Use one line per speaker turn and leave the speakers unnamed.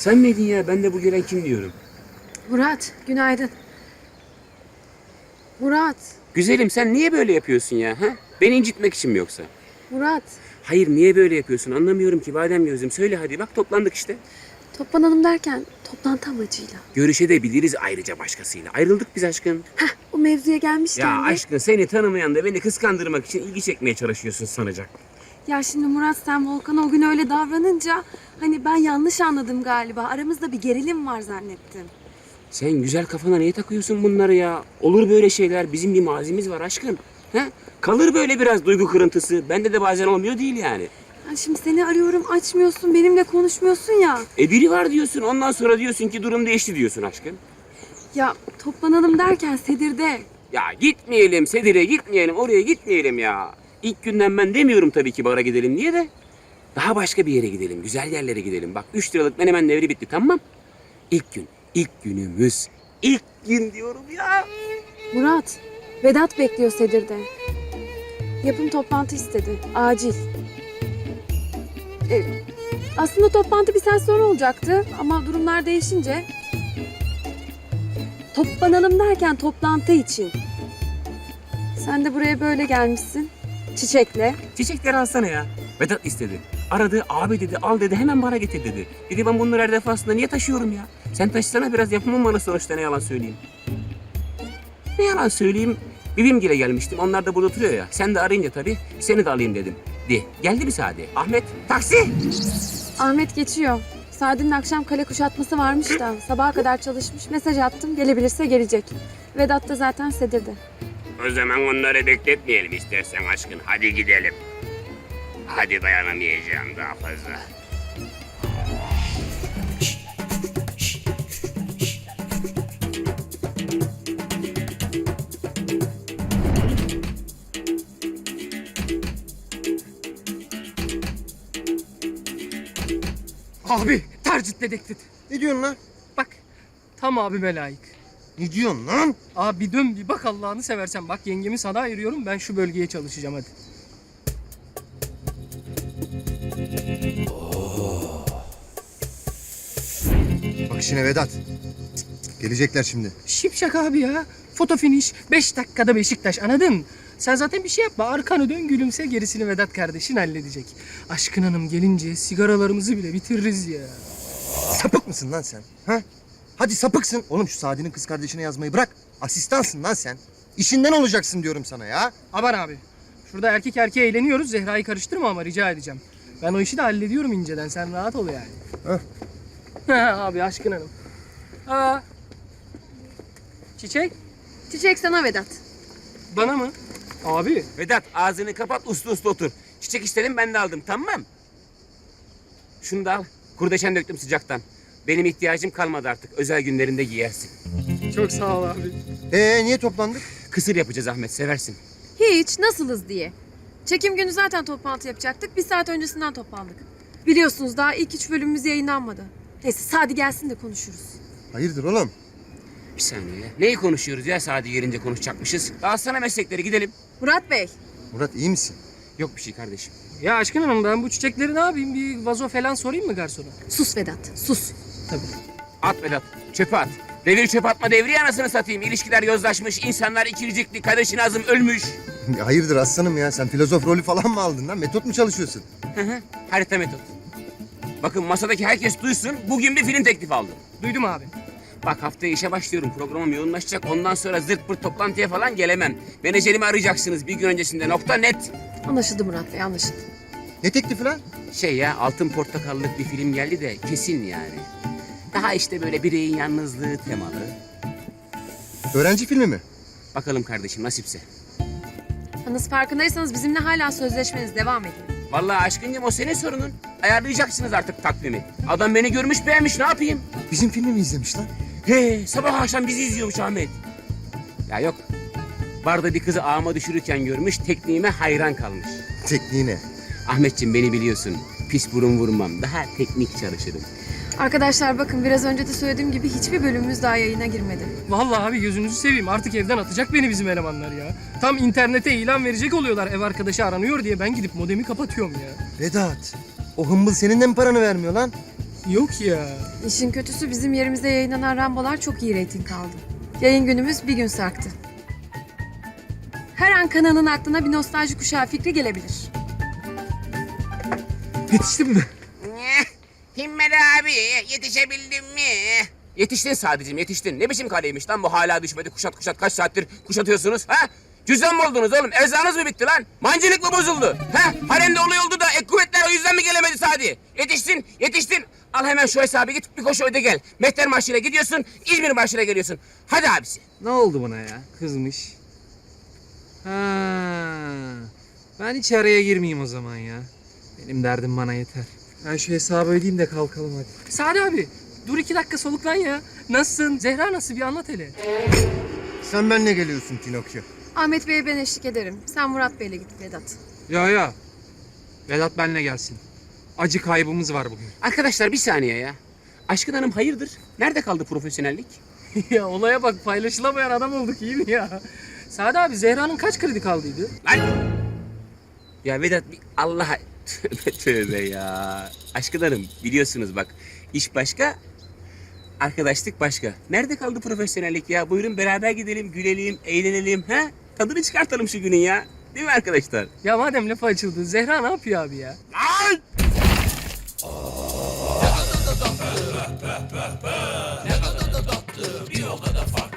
Sen miydin ya? Ben de bu gelen kim diyorum.
Murat, günaydın. Murat,
Güzelim sen niye böyle yapıyorsun ya? Ha? Beni incitmek için mi yoksa?
Murat.
Hayır niye böyle yapıyorsun? Anlamıyorum ki badem gözüm. Söyle hadi bak toplandık işte.
Toplanalım derken toplantı amacıyla.
Görüşebiliriz ayrıca başkasıyla. Ayrıldık biz aşkın.
Heh, o mevzuya gelmişken
Ya
de...
aşkın seni tanımayan da beni kıskandırmak için ilgi çekmeye çalışıyorsun sanacak.
Ya şimdi Murat sen Volkan'a o gün öyle davranınca... Hani ben yanlış anladım galiba. Aramızda bir gerilim var zannettim.
Sen güzel kafana niye takıyorsun bunları ya? Olur böyle şeyler. Bizim bir mazimiz var aşkın. Ha? Kalır böyle biraz duygu kırıntısı. Bende de bazen olmuyor değil yani.
Ben şimdi seni arıyorum, açmıyorsun, benimle konuşmuyorsun ya.
Biri var diyorsun, ondan sonra diyorsun ki durum değişti diyorsun aşkın.
Ya toplanalım derken Sedir'de.
Ya gitmeyelim Sedir'e gitmeyelim, oraya gitmeyelim ya. İlk günden ben demiyorum tabii ki bara gidelim diye de. Daha başka bir yere gidelim, güzel yerlere gidelim. Bak 3 liralık menemen devri bitti tamam. İlk gün, ilk günümüz. İlk gün diyorum ya.
Murat, Vedat bekliyor Sedir'de. Yapım toplantı istedi, acil. Aslında toplantı bir saat sonra olacaktı ama durumlar değişince... Toplanalım derken toplantı için. Sen de buraya böyle gelmişsin, çiçekle.
Çiçekleri alsana ya. Vedat istedi. Aradı, abi dedi, al dedi, hemen bana getir dedi. Dedi ben bunları her defasında niye taşıyorum ya? Sen taşısana biraz yapımın bana sonuçta ne yalan söyleyeyim. Ne yalan söyleyeyim. Bibimgil'e gelmiştim. Onlar da burada oturuyor ya. Sen de arayınca tabii seni de alayım dedim. Geldi mi Sadi? Ahmet, taksi.
Ahmet geçiyor. Sadi'nin akşam kale kuşatması varmış da sabaha kadar çalışmış. Mesaj attım, gelebilirse gelecek. Vedat da zaten Sedir'de.
O zaman onları bekletmeyelim istersen aşkın. Hadi gidelim. Hadi dayanamayacağım daha fazla.
Abi tercih dedektif.
Ne diyorsun lan?
Bak tam abime layık.
Ne diyorsun lan?
Abi bir dön bir bak Allah'ını seversen. Bak yengemi sana ayırıyorum, ben şu bölgeye çalışacağım hadi.
Bak işine Vedat. Gelecekler şimdi.
Şipşak abi ya. Foto finish 5 dakikada Beşiktaş, anladın? Sen zaten bir şey yapma, arkanı dön gülümse, gerisini Vedat kardeşin halledecek. Aşkın hanım gelince sigaralarımızı bile bitiririz ya.
Sapık mısın lan sen? Ha? Hadi sapıksın. Oğlum şu Sadi'nin kız kardeşine yazmayı bırak. Asistansın lan sen. İşinden olacaksın diyorum sana ya.
Aman abi. Şurada erkek erkeğe eğleniyoruz, Zehra'yı karıştırma ama rica edeceğim. Ben o işi de hallediyorum inceden, sen rahat ol yani. Abi aşkın hanım. Aa. Çiçek
Çiçek sana Vedat.
bana mı? Abi.
Vedat ağzını kapat uslu uslu otur. Çiçek istedim ben de aldım tamam. Şunu da al. Kurdeşen döktüm sıcaktan. Benim ihtiyacım kalmadı artık. Özel günlerinde giyersin.
Çok sağ ol abi.
Niye toplandık?
Kısır yapacağız Ahmet seversin.
Hiç, nasılız diye. Çekim günü zaten toplantı yapacaktık. Bir saat öncesinden toplandık. Biliyorsunuz daha ilk 3 bölümümüz yayınlanmadı. Neyse Sadi gelsin de konuşuruz.
Hayırdır oğlum?
Bir saniye. Neyi konuşuyoruz ya Sadi gelince konuşacakmışız. Dağıtsana meslekleri gidelim.
Murat Bey.
Murat iyi misin?
Yok bir şey kardeşim.
Ya aşkın hanım, ben bu çiçekleri ne yapayım? Bir vazo falan sorayım mı garsona?
Sus Vedat, sus.
Tabii.
At Vedat. Çöpe at. Devir çöp atma devri anasını satayım. İlişkiler yozlaşmış. İnsanlar ikircikli. Kardeşin azım ölmüş.
Hayırdır aslanım ya? Sen filozof rolü falan mı aldın lan? Metot mu çalışıyorsun?
Harita metot. Bakın masadaki herkes duysun. Bugün bir film teklifi aldım.
Duydum abi.
Bak haftaya işe başlıyorum. Programım yoğunlaşacak. Ondan sonra zırt pırt toplantıya falan gelemem. Menajerimi arayacaksınız bir gün öncesinde. Nokta net.
Anlaşıldı Murat Bey, anlaşıldı.
Ne teklifi lan?
Şey ya altın portakallık bir film geldi de kesin yani. Daha işte böyle bireyin yalnızlığı temalı.
Öğrenci filmi mi?
Bakalım kardeşim nasipse.
Yalnız farkındaysanız bizimle hala sözleşmeniz devam ediyor.
Vallahi aşkıncım o senin sorunun. Ayarlayacaksınız artık takvimi. Adam beni görmüş beğenmiş ne yapayım?
Bizim filmi mi izlemiş lan?
He sabah akşam bizi izliyormuş Ahmet. Ya yok. Barda bir kızı ağıma düşürürken görmüş tekniğime hayran kalmış.
Tekniğine.
Ahmetciğim beni biliyorsun. Pis burun vurmam. Daha teknik çalışırım.
Arkadaşlar bakın biraz önce de söylediğim gibi hiçbir bölümümüz daha yayına girmedi.
Vallahi abi gözünüzü seveyim, artık evden atacak beni bizim elemanlar ya. Tam internete ilan verecek oluyorlar, ev arkadaşı aranıyor diye ben gidip modemi kapatıyorum ya.
Vedat. O hımbıl senin de mi paranı vermiyor lan?
Yok ya.
İşin kötüsü bizim yerimizde yayınlanan Rambolar çok iyi reyting aldı. Yayın günümüz bir gün sarktı. Her an kanalın aklına bir nostalji kuşağı fikri gelebilir.
Yetiştim mi?
Himmel abi yetişebildin mi? Yetiştin sadece yetiştin. Ne biçim kaleymiş lan bu hala düşmedi kuşat kuşat kaç saattir kuşatıyorsunuz ha? Cüzdan mı oldunuz oğlum? Erzağınız mı bitti lan? Mancınık mı bozuldu? Ha? Haremde olay oldu da ek kuvvetler o yüzden mi gelemedi Sadi? Yetiştin, yetiştin. Al hemen şu hesabı git bir koşu öde gel. Mehter Marşı'yla gidiyorsun, İzmir Marşı'yla geliyorsun. Hadi abisi.
Ne oldu buna ya? Kızmış. Ha. Ben hiç araya girmeyeyim o zaman ya. Benim derdim bana yeter. Ben şu hesabı ödeyeyim de kalkalım hadi.
Sadi abi dur 2 dakika soluklan ya. Nasılsın? Zehra nasıl bir anlat hele.
Sen benimle geliyorsun Pinokyo.
Ahmet Bey'e ben eşlik ederim. Sen Murat Bey'le git Vedat.
Ya. Vedat benle gelsin. Acı kaybımız var bugün.
Arkadaşlar bir saniye ya. Aşkın Hanım hayırdır? Nerede kaldı profesyonellik?
Ya olaya bak paylaşılamayan adam olduk iyi mi ya? Sadi abi Zehra'nın kaç kredi kaldıydı?
Lan! Ya Vedat bir Allah'a tövbe tövbe ya. Aşkın Hanım biliyorsunuz bak iş başka, arkadaşlık başka. Nerede kaldı profesyonellik ya? Buyurun beraber gidelim, gülelim, eğlenelim. Ha? Tadını çıkartalım şu günün ya. Değil mi arkadaşlar?
Ya madem lafı açıldı Zehra ne yapıyor abi ya?
Lan!
Bir o kadar farklı.